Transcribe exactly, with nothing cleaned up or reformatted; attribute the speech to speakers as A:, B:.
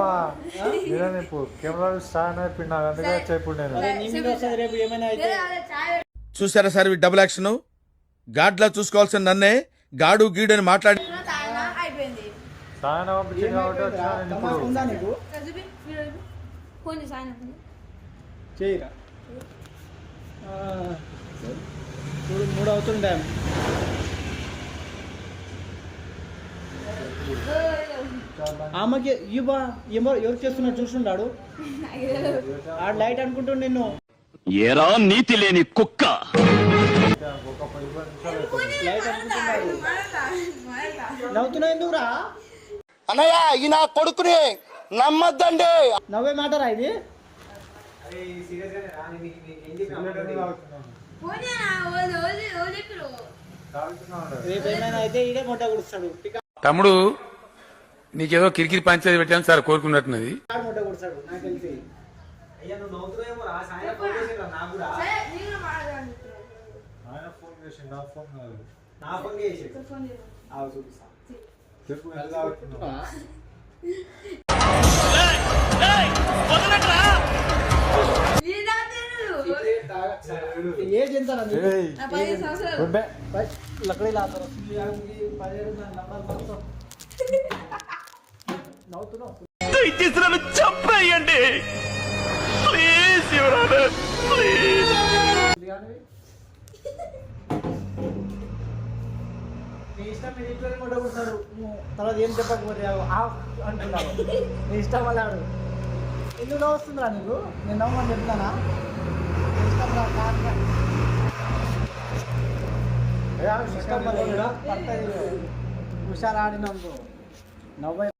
A: చూసారా sir double action గాడ్లా చూసుకోవాల్సిన నన్నే గాడు గీడు అని మాట్లాడి
B: మూడు అవుతుండే ఆమెకి ఇవ్వ ఏమో ఎవరు చేస్తున్నా చూస్తున్నాడు ఆ లైట్ అనుకుంటుండు నిన్ను
C: ఏరా నీతి లేని కుక్క
B: లైట్ అనుకుంటున్నాడు నవ్వుతున్నా ఎందుకురా
D: అన్నయ్య ఈ నా కొడుకుని నమ్మద్దండి
B: నవ్వే మాటరా ఇది రేపు ఏమైనా అయితే ఇదే మొట్ట కుడుస్తాడు
E: తమ్ముడు నీకేదో కిరికిరి పంచేది పెట్టాను సార్ కోరుకున్నట్టున్నది
B: మొట్ట కుడుస్తాడు నాకు తెలిసి ఏజ్ ఎంత లక్కడీ లాతారు
C: దయచేసి చెప్పేయండి ప్లీజ్ ప్లీజ్
B: నీ ఇష్టం మీరు ఇంట్లో కూడా కూర్చున్నాడు తర్వాత ఏం చెప్పకపోతే అంటున్నాడు నీ ఇష్టం వాళ్ళాడు ఎందుకు నవ్వు వస్తుందిరా నీకు నేను నవ్వమని చెప్తానా ఇష్టం రా ఇష్టం పడుతుంది హుషారు ఆడినందుకు నవ్వు